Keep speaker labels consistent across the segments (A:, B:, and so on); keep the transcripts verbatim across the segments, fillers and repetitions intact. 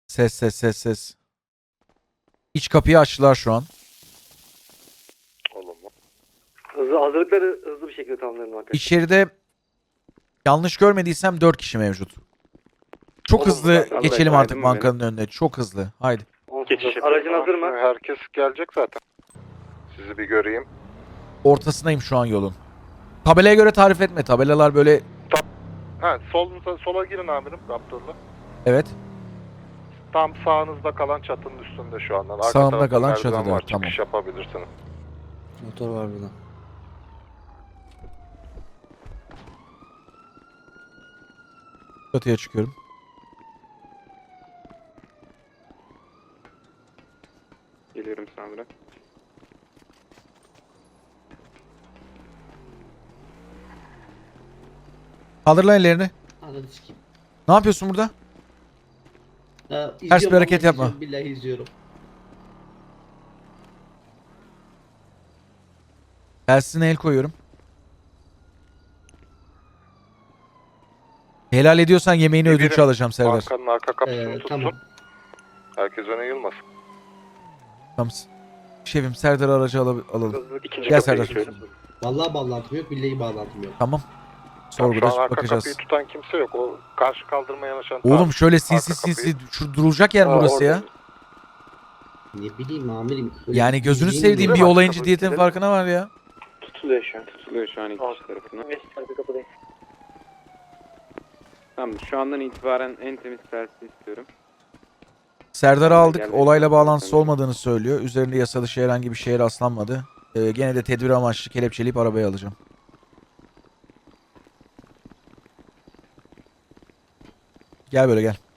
A: Ses ses ses ses. İç kapıyı açtılar şu an.
B: Olumlu.
C: Hızlı, hazırlıkları hızlı bir şekilde tamamlayalım arkadaşlar.
A: İçeride yanlış görmediysem dört kişi mevcut. Çok
C: Olumlu,
A: hızlı
C: ben-
A: geçelim
D: Vallahi
A: artık
D: saydım
A: bankanın önüne. Çok hızlı. Haydi.
C: Geçiş Aracın hazır mı?
B: Herkes gelecek zaten. Sizi bir göreyim.
A: Ortasındayım şu an yolun. Tabelaya göre tarif etme. Tabelalar böyle...
B: Ha, solunuza, sola girin amirim Raptor'la.
A: Evet.
B: Tam sağınızda kalan çatının üstünde şu andan. Arka
A: Sağımda
B: tarafta
A: kalan
B: merdiven
A: çatıda,
B: var,
A: tamam.
B: Çıkış yapabilirsiniz.
E: Motor var burada.
A: Çatıya çıkıyorum.
D: Geliyorum Samira.
A: Kaldır lan ellerini.
F: Ananı sikeyim.
A: Ne yapıyorsun burada?
F: Ha,
A: bir
F: izliyorum,
A: hareket
F: vallahi
A: yapma.
F: izliyorum, Billahi izliyorum.
A: Telsizine el koyuyorum. Helal ediyorsan yemeğini
B: Bir
A: ödünç
B: birim
A: alacağım Serdar.
B: Bankanın arka kapısını
F: Ee,
B: tutsun.
F: tamam.
B: Herkes öne yılmasın.
A: Tamam. Şefim Serdar aracı al alalım.
B: İkinci
A: Gel
B: kapıya
A: Serdar.
B: geçiyoruz.
F: Vallahi bağlantım yok, billahi bağlantım yok.
A: Tamam.
B: Tamam, şu
A: Sorguda
B: an arka
A: bakacağız.
B: kapıyı tutan kimse yok. O karşı kaldırmaya yanaşan
A: Oğlum
B: taraf.
A: şöyle sinsi
B: Arka kapıyı-
A: sinsi şu durulacak yer mi
B: Aa,
A: burası
B: orada.
A: ya?
F: Ne bileyim amirim. öyle
A: Yani gözünü
F: bildiğin
A: sevdiğim
F: gibi.
A: bir
B: Bak,
A: olayın
B: kapı
A: ciddiyetin
B: kilitli.
A: farkına var ya.
D: Tutuluyor şu an. Tutuluyor şu an iki kişi tarafından.
C: Geç arka kapıdayım.
D: Tamam, şu andan itibaren en temiz tersi istiyorum.
A: Serdar'ı aldık.
D: Geldi.
A: Olayla bağlantısı olmadığını söylüyor. Üzerinde yasa dışı herhangi bir şeye rastlanmadı. Ee, gene de tedbir amaçlı kelepçeleyip arabaya alacağım. Gel böyle gel.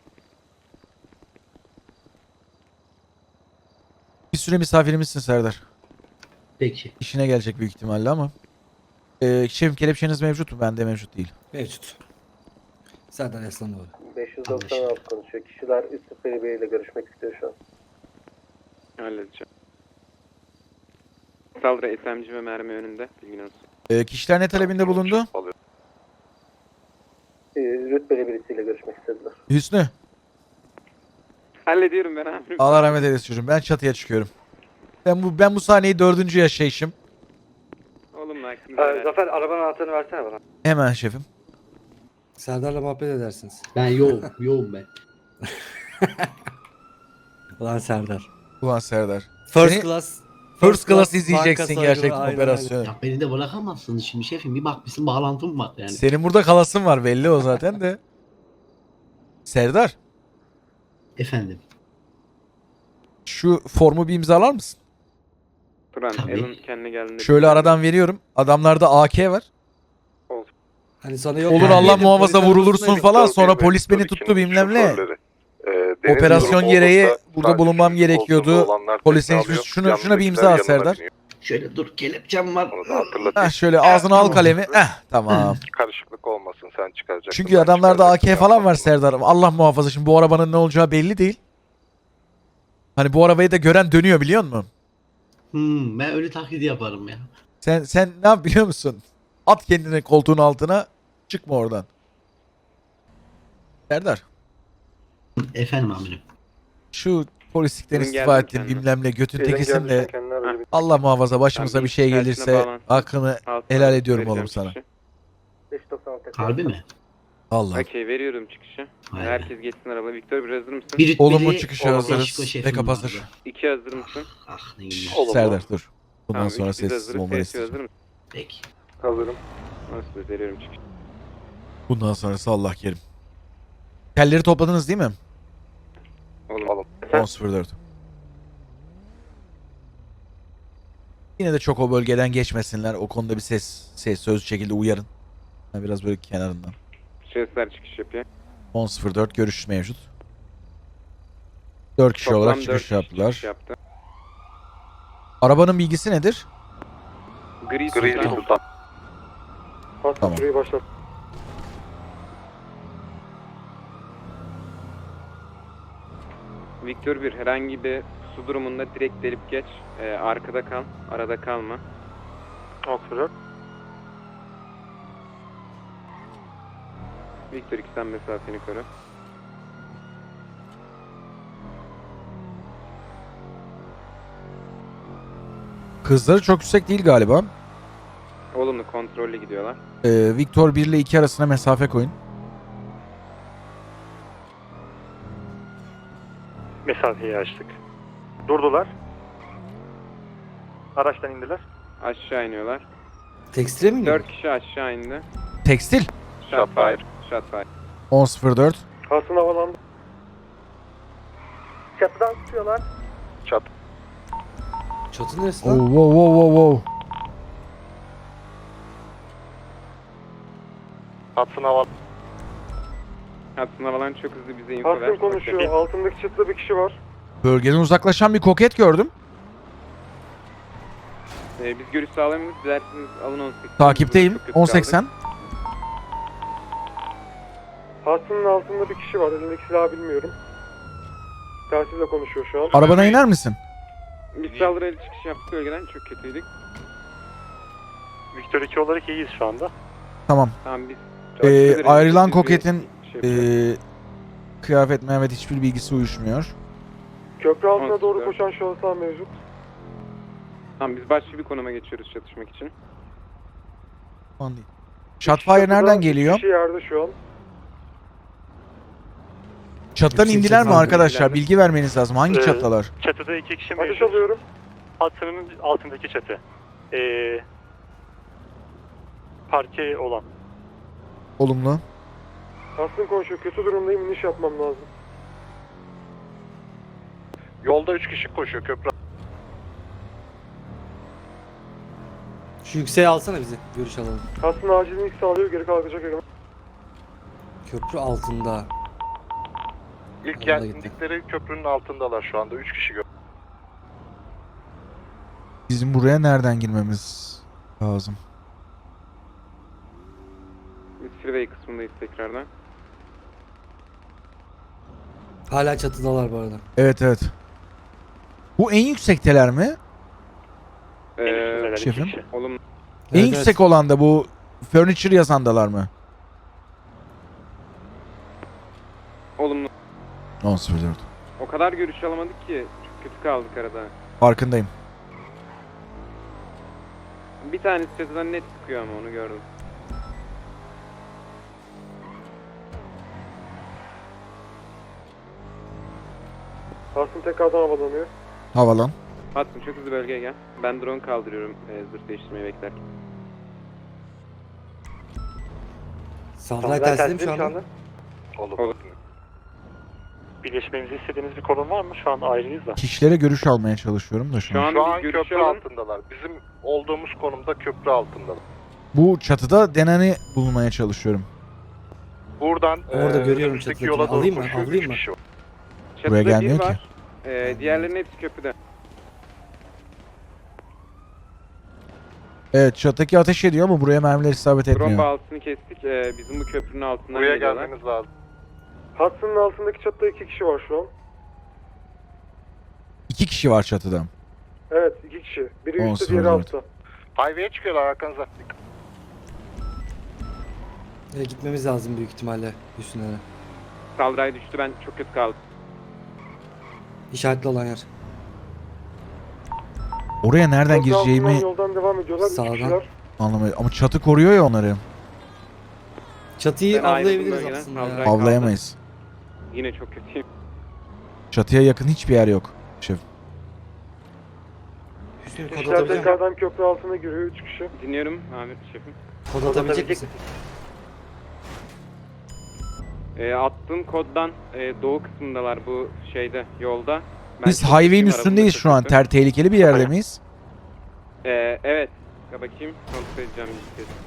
A: Bir süre misafirimizsin Serdar.
F: Peki.
A: İşine gelecek büyük ihtimalle ama. Ee, şefim kelepçeniz mevcut mu? Bende mevcut değil.
E: Mevcut. Serdar Yaslanoğlu.
C: beş yüz doksan altı konuşuyor. Kişiler üst düzey biriyle görüşmek istiyor şu an.
D: Halledeceğim. Saldırı S M G ve mermi önünde. Bilgin olsun.
A: Ee, kişiler ne talebinde bulundu?
B: Alıyor.
C: Ee, rütbeli birisiyle görüşmek istediler.
A: Hüsnü.
D: Hallediyorum ben amirim.
A: Allah rahmet eylesin çocuğum. Ben çatıya çıkıyorum. Ben bu ben bu sahneyi dördüncü yaşayışım.
D: Oğlum lan.
C: Ee, Zafer arabanın anahtarını versene bana.
A: Hemen şefim.
E: Serdar'la muhabbet edersiniz.
F: Ben yoğum, yoğum ben.
E: Ulan Serdar.
A: Ulan Serdar.
E: First
A: Seni-
E: class.
A: First class
E: banka
A: izleyeceksin
E: soygunu,
A: gerçekten
E: aynen,
A: operasyonu.
F: Ya beni de bırakamazsınız şimdi şefim. Bir bakmışsın bağlantım var yani.
A: Senin burada kalasın var belli o zaten de. Serdar,
F: Efendim.
A: şu formu bir imzalar mısın?
D: Turan,
F: Tabii.
D: Alan kendine geldiğinde.
A: Şöyle aradan veriyorum. Adamlarda A K var.
E: Hani sana yok.
A: Olur
E: yani.
A: Allah
E: Yedim,
A: muhafaza
E: polisin
A: vurulursun
E: arasındaydık.
A: falan
B: Victor
A: sonra
B: bir ve
A: polis beni
B: Victor
A: tuttu
B: ikinin
A: bilmem ne.
B: şoförleri. Ee, deniz
A: Operasyon
B: durumu
A: gereği
B: olursa
A: burada
B: sadece
A: bulunmam
B: kişi
A: gerekiyordu.
B: koltuğunda olanlar
A: Polisin
B: tekne
A: hiçbir-
B: alıyor,
A: şunu- şuna bir
B: yanındakiler
A: imza at
B: yanına
A: Serdar.
B: biniyor.
F: Şöyle dur kelepçem var.
B: Onu da hatırlatayım.
A: Heh, şöyle ağzına al
F: Tamam.
A: kalemi. Eh tamam.
B: Karışıklık olmasın, sen çıkaracaksın.
A: Çünkü
B: ben
A: adamlarda A K
B: çıkaracaktım.
A: falan var Serdar. Allah muhafaza şimdi bu arabanın ne olacağı belli değil. Hani bu arabayı da gören dönüyor biliyor musun?
F: Hmm, ben öyle taklidi yaparım ya.
A: Sen sen ne yap biliyor musun? At kendini koltuğun altına. Çıkma oradan. Serdar.
F: Efendim amirim.
A: Şu polislikten
D: Bugün
A: istifa
D: geldim
A: ettin
D: kendime.
A: bilmem ne götün
B: Elin
A: tekisin
B: geldi,
A: de
B: sen kendine aracı bir-
A: Allah muhafaza başımıza
D: Tamam,
A: bir şey
D: tersine
A: gelirse
D: bağlansın.
A: hakkını
D: Altına
A: helal ediyorum
D: vereceğim
A: oğlum sana.
D: çıkışı.
C: beş yüz doksan altı.
F: Harbi mi?
A: Allah.
D: Okey, veriyorum çıkışı.
F: Vay be.
D: Herkes geçsin araba. Victor, bir hazır mısın?
F: Bir rütbeli
A: Olumlu çıkışa
F: Meksiko
A: hazırız.
F: şefim
A: Backup hazır.
F: vardı.
D: İki hazır mısın?
F: Ah neyim
B: Olumlu.
A: Serdar dur. Bundan
D: Tamam,
A: sonra
D: üç biz
A: sessiz
D: hazırız.
A: olmanı
D: Sessiz
A: istiyorum.
D: hazır mısın?
F: Peki.
B: Hazırım.
D: Nasıl veriyorum çıkışı?
A: Bundan sonrası Allah kerim. Telleri topladınız değil mi?
D: Oğlum.
B: Oğlum.
A: on sıfır dört. Yine de çok o bölgeden geçmesinler. O konuda bir ses, ses sözlü şekilde uyarın. Ha, biraz böyle kenarından.
D: Şehirler çıkış yapıyor.
A: on sıfır dört görüş mevcut. dört kişi
D: Toplam
A: olarak
D: dört
A: çıkış
D: kişi
A: yaptılar.
D: çıkış yaptı.
A: Arabanın bilgisi nedir?
D: Gri
B: Gri
D: Sultan.
B: Sultan.
C: Pasta
A: Tamam.
C: süreyi başlat.
D: Victor bir herhangi bir su durumunda direkt delip geç. Ee, arkada kal. Arada kalma.
B: Oxford.
D: Victor iki sen mesafeni koru.
A: Hızları çok yüksek değil galiba.
D: Olumlu kontrollü gidiyorlar.
A: Ee, Victor bir ile iki arasına mesafe koyun.
B: Mesafeyi açtık. Durdular. Araçtan indiler.
D: Aşağı iniyorlar.
E: Tekstile mi iniyor?
D: Dört kişi aşağı indi.
A: Tekstil.
D: Shotfire. Shotfire.
A: on sıfır dört.
C: Hasan havalandı. Çatıdan tutuyorlar.
B: Çat.
E: Çatı neresi
A: Oh,
E: lan?
A: wow, wow, wow, wow.
B: Hudson hava.
D: Hudson havalan çok hızlı bize info ver.
C: Hasan konuşuyor.
D: Okey.
C: Altındaki çatıda bir kişi var.
A: Bölgeden uzaklaşan bir koket gördüm.
D: Ee, biz görüş sağlayamıyoruz. Dilerseniz alın on seksen.
A: Takipteyim.
D: Çok kötü
A: on
D: kaldık.
A: seksen.
C: Hasan'ın altında bir kişi var. Elindeki silahı bilmiyorum. Telsizle konuşuyor şu an.
A: Arabana iner misin?
D: Biz saldırıya çıkış yaptık bölgeden. Çok kötüydük.
B: Victor iki olarak iyiyiz şu anda.
A: Tamam.
D: Tamam biz...
A: Ee, ayrılan
D: Biz bir
A: koketin
D: şey yapıyoruz.
A: ee, kıyafet Mehmet hiçbir bilgisi uyuşmuyor.
C: Köprü altına
D: on
C: doğru
D: dört.
C: koşan şahıslar mevcut.
D: Tamam biz başka bir konuma geçiyoruz çatışmak için.
A: Aman değil. Shotfire nereden geliyor?
C: Kişi yerde şu an.
A: Çatıdan
E: Yüksek
A: indiler mi
E: çatıdan
A: arkadaşlar?
D: indiler mi?
A: Bilgi vermeniz lazım. Hangi
B: Ee,
A: çatılar?
B: Çatıda iki kişi
C: Ateş
B: mevcut.
C: alıyorum.
B: Hudson'ın altındaki çatı. Ee, parke olan.
A: Olumlu.
C: Hasan konuşuyor. Kötü durumdayım. İniş yapmam lazım.
B: Yolda üç kişi koşuyor köprü.
E: Şu yükseğe alsana bizi. Görüş alalım.
C: Hasan acilini sağlıyor. Geri kalkacak hemen.
E: Köprü altında.
B: İlk
E: Yolda
B: indikleri köprünün altındalar şu anda. Üç kişi gör.
A: Bizim buraya nereden girmemiz lazım?
D: Biz freeway kısmındayız tekrardan.
E: Hala çatıdalar bu arada.
A: Evet evet. Bu en yüksekteler mi?
D: Ee,
B: üstündeler iki
A: şefim.
B: kişi.
D: olumlu.
A: En
E: Evet,
A: yüksek
E: evet.
A: olan da bu furniture yazandalar mı?
D: Olumlu.
A: on sıfır dört.
D: O kadar görüş alamadık ki çok kötü kaldık arada.
A: Farkındayım.
D: Bir tanesi çatıdan net sıkıyor ama onu gördüm.
C: Hasan tekrardan havalanıyor.
A: Havalan.
D: Hudson çok hızlı bölgeye gel. Ben drone kaldırıyorum e, zırh değiştirmeyi beklerken.
E: Saldırı telsizim şu anda.
B: Olur.
D: Olur.
B: Birleşmemizi istediğiniz bir konum var mı? Şu an ayrıyız da.
A: Kişilere görüş almaya çalışıyorum da şu
D: Şu
A: an.
D: an
B: Şu
D: bir
B: an
D: görüş
B: köprü
D: alın.
B: altındalar. Bizim olduğumuz konumda köprü altındalar.
A: Bu çatıda Denan'ı bulmaya çalışıyorum.
B: Buradan
E: Orada
B: eee,
E: görüyorum
B: önümüzdeki
E: çatıdakini.
B: yola doğru
E: Alayım mı?
B: koşuyor.
E: Alayım
B: Üç
E: mı?
B: kişi var.
D: Çatıda
A: Buraya
D: bir
A: gelmiyor ki.
D: var. E, diğerlerinin hepsi köprüde.
A: Evet çattaki ateş ediyor ama buraya mermiler isabet
D: Drone
A: etmiyor.
D: bağlantısını kestik. E, bizim bu köprünün altından
B: Buraya
D: geliyorlar.
B: gelmeniz lazım.
C: Hasan'ın altındaki çatıda iki kişi var şu an.
A: İki kişi var çatıda.
C: Evet iki kişi. Biri
A: On
C: üstte
A: sıfır
C: diğeri
A: dört.
C: altta.
B: Highway'e çıkıyorlar arkanıza.
E: E, gitmemiz lazım büyük ihtimalle üstüne.
D: Saldırıya düştü, ben çok kötü kaldım.
E: İşaretli olan yer.
A: Oraya nereden
C: Köprü altından
A: gireceğimi
C: yoldan devam ediyorlar. Üç
A: Sağdan.
C: kişiler.
A: anlamıyorum. Ama çatı koruyor ya onları.
E: Çatıyı
D: Ben ayrıldım
E: avlayabiliriz
D: bölgeden,
E: aslında
D: saldırı-
E: ya.
A: Avlayamayız.
D: Yine çok kötüyüm.
A: Çatıya yakın hiçbir yer yok. Şef.
E: Hüsnü kod
C: Kişiler
E: atabilecek misin?
C: tekrardan köprü altına giriyor. Üç kişi.
D: Dinliyorum Ahmet şefim.
E: Kod atabilecek misin?
D: E, attığım koddan e, doğu kısmındalar bu şeyde, yolda. Ben
A: Biz
D: çok
A: highway'in
D: kötüyüm,
A: üstündeyiz
D: arabamda
A: şu an.
D: çok kötü.
A: Ter tehlikeli bir yerde miyiz?
D: E, evet. Ya bakayım, kontrol edeceğim bir kez.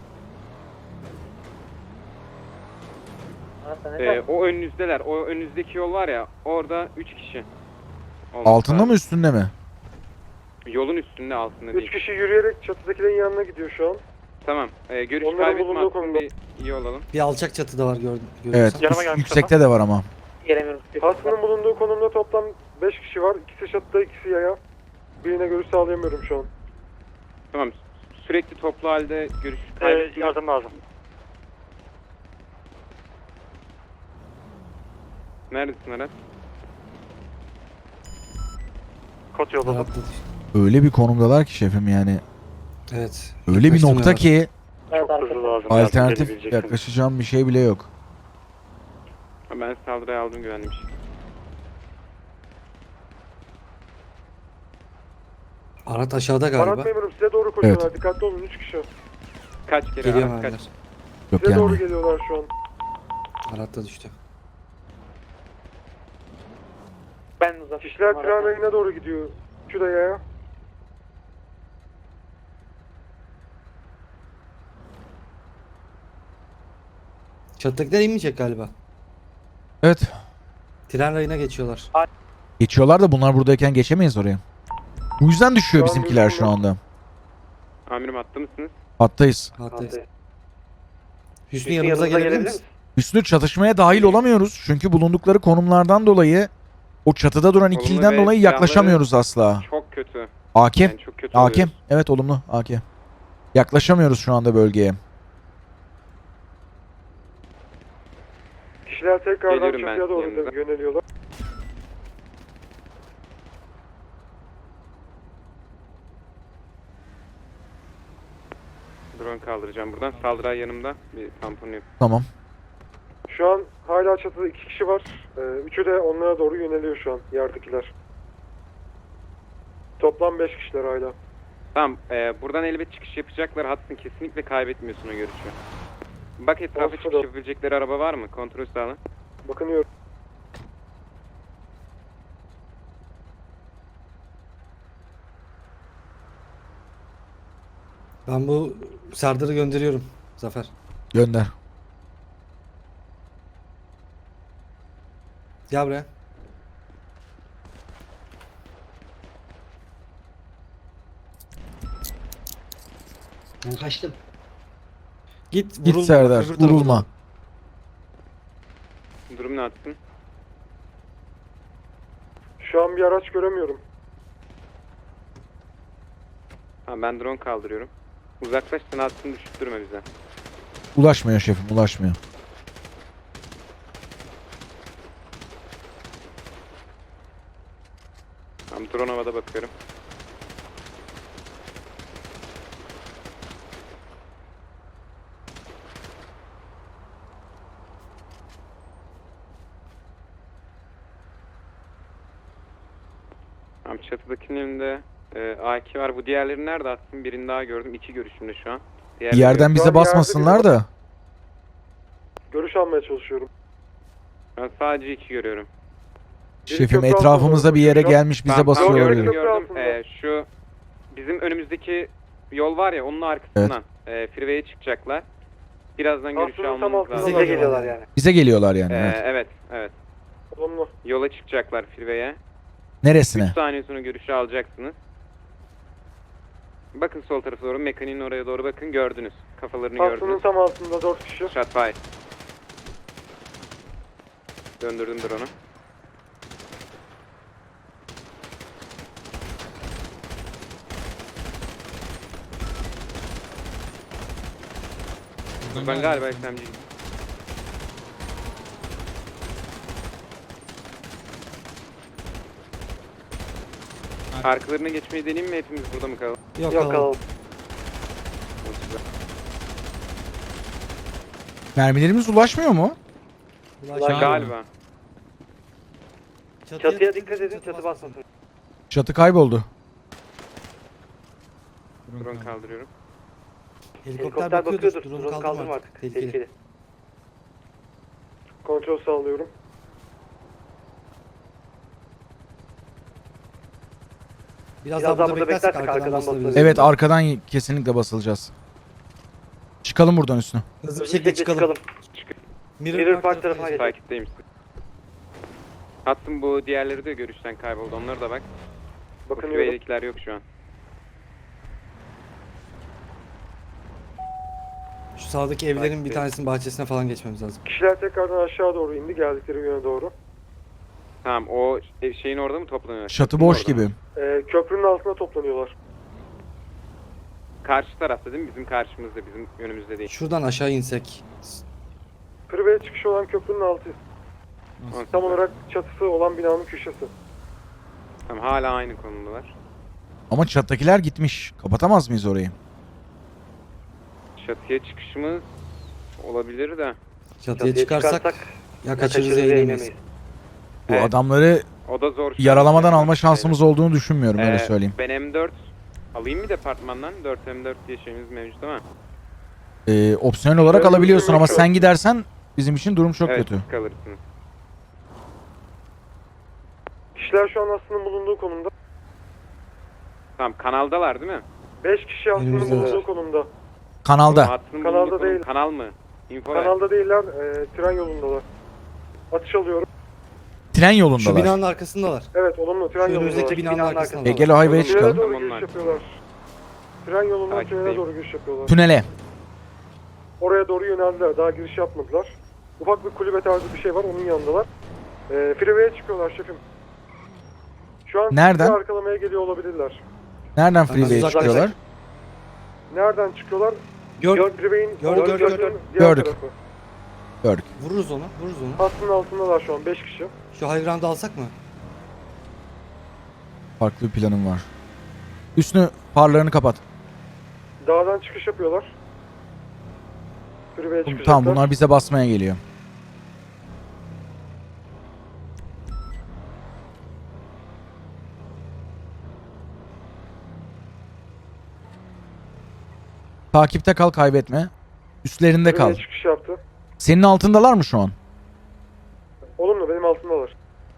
D: E, o önünüzdeler. O önünüzdeki yol var ya, orada üç kişi. olması
A: Altında
D: lazım.
A: mı üstünde mi?
D: Yolun üstünde, altında
C: Üç
D: değil.
C: kişi yürüyerek çatıdakilerin yanına gidiyor şu an.
D: Tamam. E, görüş
C: Onların
D: kaybetme
C: bulunduğu
D: hakkında
C: konumda.
D: bir iyi olalım.
E: Bir alçak çatıda var gördüm.
A: Evet.
B: Yanıma
A: üst-
B: gelmiş
A: yüksekte de var ama.
C: Hasan'ın bulunduğu konumda toplam beş kişi var. İkisi çatıda, ikisi yaya. Birine görüş sağlayamıyorum şu an.
D: Tamam. Sürekli toplu halde görüş
B: Ee,
D: kaybetme.
B: yardım lazım.
D: Neredesin Aras?
B: Kod yolladım.
E: Rahatladı işte.
A: Öyle bir konumdalar ki şefim yani.
E: Evet.
A: Öyle bir nokta
E: Yaklaştırmıyorlar.
A: ki
B: Çok hızlı lazım.
A: alternatif yaklaşacağım bir şey bile yok.
D: Ha, ben saldırıya aldım güvenmiş.
E: Araç aşağıda galiba.
C: Arat memurum size doğru koşuyorlar. Dikkatli olun üç kişi.
D: Kaç kere
E: Geliyor
D: araç kaç?
E: mermiler.
A: Yok
C: Size doğru
A: yani.
C: geliyorlar şu an.
E: Arat da düştü.
B: Ben uzak.
C: Kişiler tren rayına doğru gidiyor. Şu da yaya.
E: Çatıdakiler inmeyecek galiba.
A: Evet.
E: Tren rayına geçiyorlar.
A: Geçiyorlar da bunlar buradayken geçemeyiz oraya. Bu yüzden düşüyor
C: Şu an
A: bizimkiler şu
C: gözükmüyor.
A: anda.
D: Amirim attı mısınız?
A: Hattayız.
E: Hattayız. Hüsnü yanımıza gelebilir misin?
A: Üstü çatışmaya dahil olamıyoruz. Çünkü bulundukları konumlardan dolayı o çatıda duran
D: Olumlu
A: ikiliden
D: ve
A: dolayı
D: silahları-
A: yaklaşamıyoruz asla.
D: Çok kötü.
A: Hakim.
D: Yani çok kötü
A: Hakim.
D: oluyoruz.
A: Evet olumlu. Hakim. Yaklaşamıyoruz şu anda bölgeye.
C: Kişiler tekrardan
D: Geliyorum ben
C: çatıya doğru
D: yanınıza.
C: yöneliyorlar.
D: Drone kaldıracağım buradan. Saldırı yanımda. Bir tampon yap.
A: Tamam.
C: Şu an hala çatıda iki kişi var. Ee, üçü de onlara doğru yöneliyor şu an yerdekiler. Toplam beş kişiler hala.
D: Tamam. E, buradan elbet çıkış yapacaklar. Hattın kesinlikle kaybetmiyorsun o görüşü. Bak etrafa
C: Olsun
D: çıkış
C: da.
D: yapabilecekleri araba var mı? Kontrol sağla.
C: Bakınıyorum.
E: Ben bu Serdar'ı gönderiyorum. Zafer.
A: Gönder.
E: Gel buraya.
F: Ben kaçtım.
E: Git vurulma.
A: Git
E: bak,
A: Serdar.
E: öbür tarafa
A: Vurulma.
E: doğru.
D: Durum ne attın?
C: Şu an bir araç göremiyorum.
D: Ha, ben drone kaldırıyorum. Uzaklaş, sen hattını düşürtme bize.
A: Ulaşmıyor şefim. Ulaşmıyor.
D: Tamam, drone havada bakıyorum. Tamam, çatıdakinin elinde e, A iki var. Bu diğerleri nerede attın? Birini daha gördüm. İki görüşümde şu an.
A: Bir
D: Diğerleri
A: yerden
D: yok.
A: bize
C: Şu an
A: basmasınlar
C: yerde
A: da.
C: Görüş almaya çalışıyorum.
D: Ben sadece iki görüyorum.
A: Şefim
C: köprü altına
A: etrafımıza
C: doğru
A: bir yere
C: koşuyor.
A: gelmiş bize
D: Tamam,
A: basıyor
D: tamam,
C: olabilir.
D: gördüm,
A: olabilir.
C: Köprü
D: gördüm.
C: altında.
D: Ee, şu bizim önümüzdeki yol var ya, onun arkasından e, freeway'e çıkacaklar. Birazdan görüş
C: Aslında tam
D: almamız
C: altında
D: lazım.
C: Bize geliyorlar yani.
A: Bize geliyorlar yani.
D: Ee,
A: Evet.
D: evet, evet.
C: Olumlu.
D: Yola çıkacaklar freeway'e.
A: Neresine?
D: üç saniye sonra görüşü alacaksınız. Bakın sol tarafa doğru, mekaniğin oraya doğru bakın, gördünüz. Kafalarını
C: Hattının
D: gördünüz.
C: tam altında dört kişi.
D: Shot fire. Döndürdüm drone'u. Ben galiba S M G. Arkalarına geçmeyi deneyeyim mi? Hepimiz burada mı kalalım?
E: Yok,
C: Yok
E: alalım.
C: alalım.
A: Mermilerimiz ulaşmıyor mu?
E: Ulaş-
D: Galiba.
E: Çatıya, dikkat edin, çatı basmasın.
A: Çatı kayboldu.
D: Drone kaldırıyorum.
E: Helikopter, bakıyordur. Drone kaldırma artık. Tehlikeli.
C: Kontrol sağlıyorum.
E: Biraz, daha burada beklersek arkadan basılabiliriz.
A: Evet arkadan kesinlikle basılacağız. Çıkalım buradan üstüne.
E: Hızlı bir şekilde çıkalım. Mirror, Park tarafına geçelim.
D: Takipteyim. Hattım bu diğerleri de görüşten kayboldu. Onlara da bak.
C: Bakınıyorum.
D: Freeway'dekiler yok şu an.
E: Şu sağdaki evlerin bir tanesinin bahçesine falan geçmemiz lazım.
C: Kişiler tekrardan aşağı doğru indi geldikleri yöne doğru.
D: Tamam, o ev- şeyin orada mı toplanıyor?
A: Çatı
D: Köprünün
A: boş
D: orada
A: gibi.
D: mı?
C: Ee, köprünün altına toplanıyorlar.
D: Karşı tarafta değil mi? Bizim karşımızda, bizim önümüzde değil.
E: Şuradan aşağı insek.
C: Freeway'e çıkışı olan köprünün altı. Tam olarak çatısı olan binanın köşesi.
D: Tamam, hala aynı konumdalar.
A: Ama çattakiler gitmiş. Kapatamaz mıyız orayı?
D: Çatıya çıkışımız olabilir de.
E: Çatıya çıkarsak ya kaçırırız ya inemeyiz.
A: Bu
D: Evet.
A: adamları
D: O da zor. şu an.
A: yaralamadan
D: Yani
A: alma şansımız olduğunu düşünmüyorum öyle
D: Ee,
A: söyleyeyim.
D: Ben M dört alayım mı departmandan? dört M dört diye şeyimiz mevcut ama.
A: Ee, opsiyonel olarak
C: Şöyle
A: alabiliyorsun
C: bir
A: ama
C: şey
A: sen
C: yok.
A: gidersen bizim için durum çok
D: evet,
A: kötü.
D: siz kalırsınız.
C: Kişiler şu an Aslı'nın bulunduğu konumda.
D: Tamam, kanaldalar değil mi?
C: beş kişi Aslı'nın
E: Önümüzde
C: bulunduğu
E: var.
C: konumda.
A: Kanalda.
D: Hattının
C: Kanalda
D: bulunduğu konum-
C: değil.
D: Kanal mı? Info ver.
C: Kanalda değiller, e, tren yolundalar. Atış alıyorum.
A: Tren
E: Şu
A: yolundalar.
E: binanın arkasındalar.
C: Evet, olumlu tren
E: Şu
C: yolundalar.
E: önümüzdeki binanın arkasındalar.
A: E, gel o highway'e
D: Oğlum,
C: Tünele
A: çıkalım.
C: doğru
D: Tamam,
C: giriş
D: onlar.
C: yapıyorlar. Tren yolundan
D: Takipteyim.
C: tünele doğru giriş yapıyorlar.
A: Tünele.
C: Oraya doğru yöneldiler. Daha giriş yapmadılar. Ufak bir kulübe tarzı bir şey var. Onun yanındalar. E, freeway'e çıkıyorlar şefim. Şu an
A: Nereden?
C: sizi arkalamaya geliyor olabilirler.
A: Nereden
E: Hemen
A: freeway'e
E: uzaklaştık.
A: çıkıyorlar?
C: Nereden çıkıyorlar?
E: Gör,
C: Freeway'in
E: Gördük,
C: olduğu
E: gördük,
C: yönün
E: gördük.
C: diğer
A: Gördük.
C: tarafı.
A: Gördük.
E: vururuz onu, vururuz onu.
C: Hattının altındalar şu an beş kişi.
E: Şu high ground'ı alsak mı?
A: Farklı bir planım var. Üstünü farlarını kapat.
C: Dağdan çıkış yapıyorlar. Freeway'e çıkacaklar.
A: Tamam bunlar bize basmaya geliyor. Takipte kal, kaybetme. Üstlerinde kal.
C: Freeway'e çıkış yaptı.
A: Senin altındalar mı şu an?
C: Olumlu, benim altımdalar.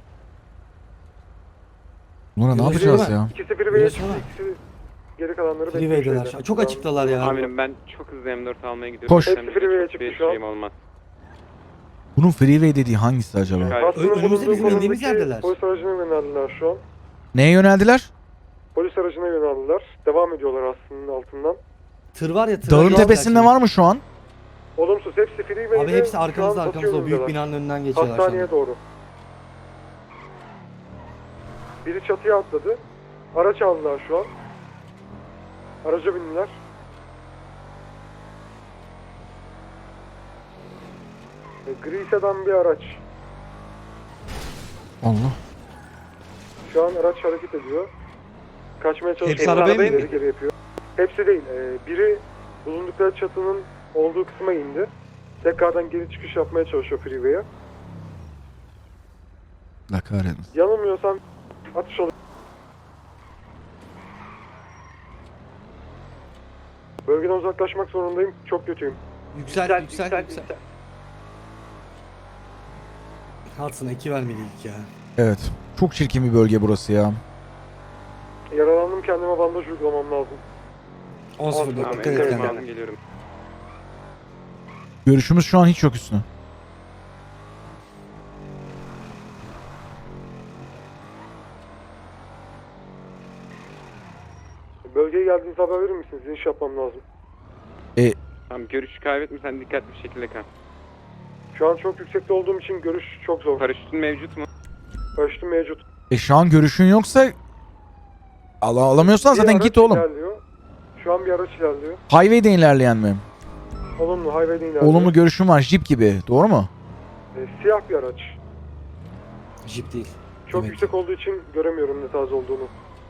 A: Buna ne
E: Yürü,
A: yapacağız
E: yürü.
A: ya?
C: İkisi freeway'e
E: Yürü
C: çıktı,
E: sonra.
C: ikisi geri kalanları
E: Freeway'deler
C: bekliyor
E: şu an.
C: şeyde.
E: Çok açıktalar ya.
D: Amirim ben çok hızlı M dört almaya gidiyorum.
A: Koş.
D: Hem
C: Hepsi
D: de
C: freeway'e
D: çok
C: çıktı
D: bir
C: şu an.
D: şeyim olmaz.
A: Bunun freeway dediği hangisi acaba?
D: Gayet-
C: Hattının
E: Önümüzde
C: bulunduğu
E: bizim indiğimiz
C: konumdaki
E: yerdeler.
C: Polis aracına yöneldiler şu an.
A: Neye yöneldiler?
C: Polis aracına yöneldiler. Devam ediyorlar aslında altından.
E: Tır var ya tır.
A: Dağın
E: var.
A: tepesinde var mı şu an?
C: Olumsuz, hepsi freeway'de.
E: Abi hepsi
C: şu an
E: arkamızda
C: batı
E: arkamızda o büyük
C: yönündeler.
E: binanın önünden geçiyorlar şu
C: Hastaneye
E: anda.
C: doğru. Biri çatıya atladı. Araç aldılar şu an. Araca bindiler. E, gri sedan bir araç.
A: Allah.
C: Şu an araç hareket ediyor. Kaçmaya çalışıyor.
E: Hepsi arabaya mı
C: Geri
E: indi?
C: geri yapıyor. Hepsi değil. E, biri bulundukları çatının olduğu kısma indi. Tekrardan geri çıkış yapmaya çalışıyor freeway'e.
A: La kahretsin.
C: Yanılmıyorsam atış oluyor. Bölgeden uzaklaşmak zorundayım. Çok kötüyüm.
E: Yüksel, yüksel, yüksel. Hatsına iki vermeliydik ya.
A: Evet. Çok çirkin bir bölge burası ya.
C: Yaralandım, kendime bandaj uygulamam lazım.
E: on sıfır
C: Tamam,
E: dikkat
C: evet,
E: et
C: evet.
E: kendine.
D: Geliyorum.
A: Görüşümüz şu an hiç yok üstüne.
C: Bölgeye geldiğinizde haber verir misiniz? İniş yapmam lazım.
D: Tamam, görüşü kaybetme, sen dikkatli bir şekilde kal.
C: Şu an çok yüksekte olduğum için görüş çok zor.
D: Paraşütün mevcut mu?
C: Ölçtüm mevcut.
A: E şu an görüşün yoksa Al alamıyorsan
C: Bir
A: zaten
C: araç
A: git oğlum.
C: ilerliyor. Şu an bir araç ilerliyor.
A: Highway'de ilerleyen mi?
C: Olumlu, highway'de ilerliyor.
A: Olumlu görüşün var. Jeep gibi. Doğru mu?
C: E, siyah bir araç.
E: Jeep değil.
C: Çok
E: Evet.
C: yüksek olduğu için göremiyorum ne tarz olduğunu.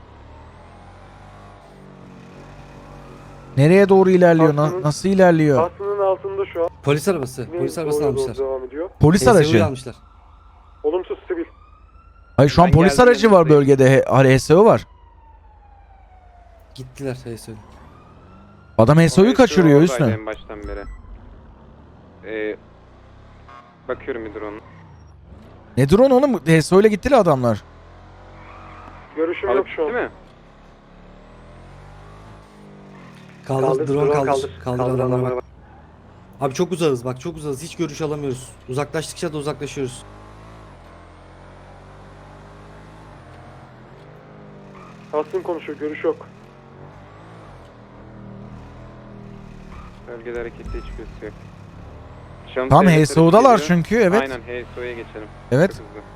A: Nereye doğru ilerliyor? Na-
C: Aslında-
A: nasıl ilerliyor?
C: Hattının altında şu an.
E: Polis arabası. Polis arabasını
C: Doğruya doğru
E: almışlar.
C: devam ediyor.
A: Polis
E: H S U'yu
A: aracı.
E: almışlar.
C: Olumsuz sivil.
A: Hayır şu an
D: Ben
A: polis
D: geldim,
A: aracı var
D: yanınızdayım.
A: bölgede. He- H S O var.
E: Gittiler H S U'yu.
A: Adam H S O'yu kaçırıyor
D: Oradaydı
A: üstüne.
D: En baştan beri. Ee, bakıyorum bir drone.
A: Ne drone oğlum? H S O ile gittiler adamlar.
C: Görüşüm yok
D: Alıp
C: şu an.
D: değil mi?
E: Kaldır,
C: Kaldır,
E: drone
C: drone
E: kaldır.
C: kaldır.
E: Kaldır,
C: Kaldır
E: adamlara
C: adamlara
E: bak. Abi çok uzağız bak çok uzağız. Hiç görüş alamıyoruz. Uzaklaştıkça da uzaklaşıyoruz.
C: Hattın konuşuyor, görüş yok.
D: Bölgede harekette hiç gözü yok. Şam
A: Tamam
D: devletleri
A: H S O'dalar
D: geliyor.
A: çünkü evet.
D: Aynen H S O'ya geçelim.
A: Evet.
D: Çok hızlı.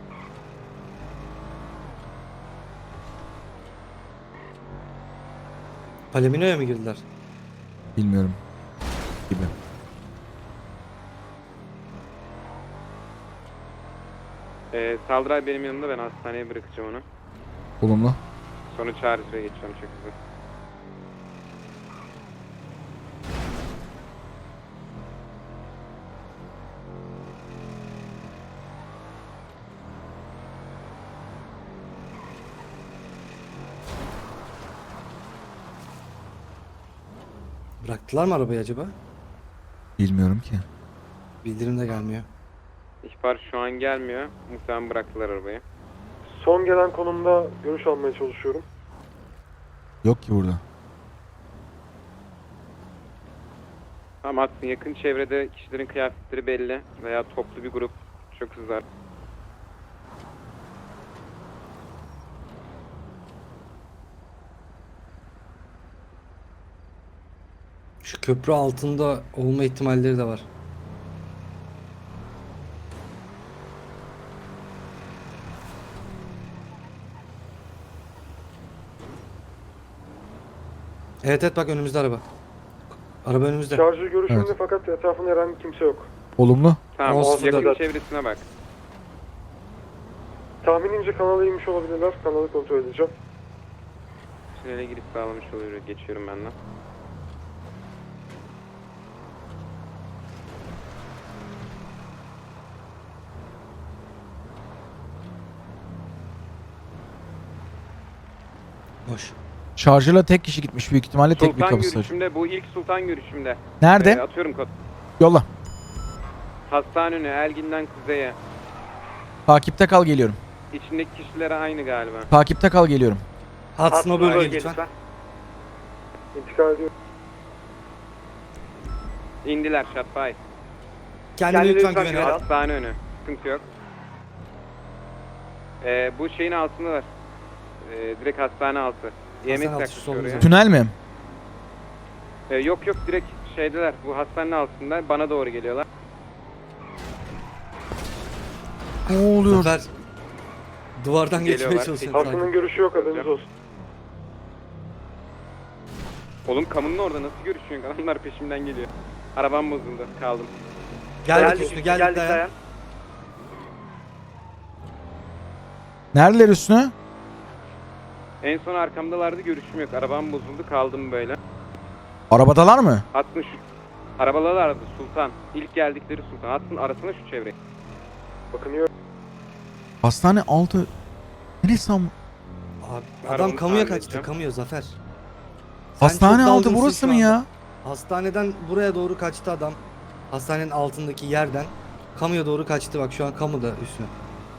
E: Palamino'ya mı girdiler?
A: Bilmiyorum. Gibi.
D: Ee, Saldıray benim yanımda, ben hastaneye bırakacağım onu.
A: Olumlu.
D: Sonra çağrısıya geçeceğim çok hızlı.
E: Bıraktılar mı arabayı acaba?
A: Bilmiyorum ki.
E: Bildirim de gelmiyor.
D: İhbar şu an gelmiyor. Muhtemelen bıraktılar arabayı.
C: Son gelen konumda görüş almaya çalışıyorum.
A: Yok ki burada.
D: Ama aslında yakın çevrede kişilerin kıyafetleri belli veya toplu bir grup çok hızlı.
E: Şu köprü altında olma ihtimalleri de var. Evet evet bak önümüzde araba. Araba önümüzde.
C: Şarjı görüşümde
A: Evet.
C: fakat etrafında herhangi kimse yok.
A: Olumlu.
D: Tamam,
E: Olsun
D: yakın
C: da-
D: çevresine bak.
C: Tahminimce kanala inmiş olabilirler. Kanalı kontrol edeceğim.
D: Tünele girip sağlamış oluyor. Geçiyorum ben de.
E: Boş.
A: Şarjıyla tek kişi gitmiş büyük ihtimalle tek bir
D: Sultan
A: kapısı açık.
D: görüşümde, bu ilk sultan görüşümde.
A: Nerede?
D: Ee, atıyorum kod.
A: Yolla.
D: Hastane önü, Elgin'den kuzeye.
A: Takipte kal geliyorum.
D: İçindeki kişilere aynı galiba.
A: Takipte kal geliyorum.
E: Atsın o bölgeye lütfen.
C: İntikal ediyorum.
D: İndiler Şatbay.
E: Kendine lütfen güven al.
D: Hastane önü. Sıkıntı yok. Ee, bu şeyin altındalar. Ee, direkt hastane altı. Yemek
E: altı,
D: yaklaşıyor
E: solumuz
D: oraya.
E: var.
A: Tünel mi?
D: Ee, yok yok direkt şeydeler. Bu hastanenin altında bana doğru geliyorlar.
A: Ne oluyor?
E: Zafer. Duvardan geçmeye
D: Geliyorlar.
E: çalışıyor.
C: Hastanın görüşü yok, haberiniz olsun.
D: Oğlum kamunun orada nasıl görüşüyorsun? Adamlar peşimden geliyor. Arabam bozuldu. Kaldım.
E: Geldik üstüne geldik dayan.
A: Neredeler üstüne?
D: En son arkamdalardı, görüşüm yok. Arabam bozuldu, kaldım böyle.
A: Arabadalar mı?
D: Hattın şu... Arabalardı Sultan. İlk geldikleri Sultan. Hattın arasına şu çevreyi.
C: Bakınıyor.
A: Hastane altı. Neresi ama?
E: Abi,
D: Pardon,
E: adam kamuya
D: tahmin
E: kaçtı.
D: edeceğim.
E: Kamuya Zafer. Sen
A: Hastane
E: çok
A: altı
E: dalgınsın
A: burası
E: şu
A: mı
E: anda.
A: ya?
E: Hastaneden buraya doğru kaçtı adam. Hastanenin altındaki yerden kamuya doğru kaçtı. Bak şu an kamuda üstüne.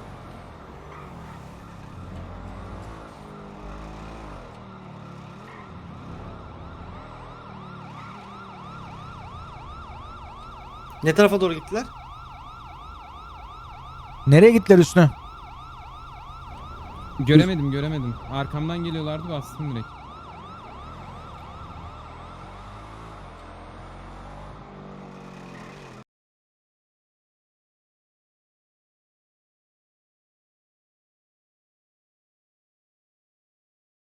E: Ne tarafa doğru gittiler?
A: Nereye gittiler üstüne?
G: Göremedim göremedim. Arkamdan geliyorlardı, bastım direkt.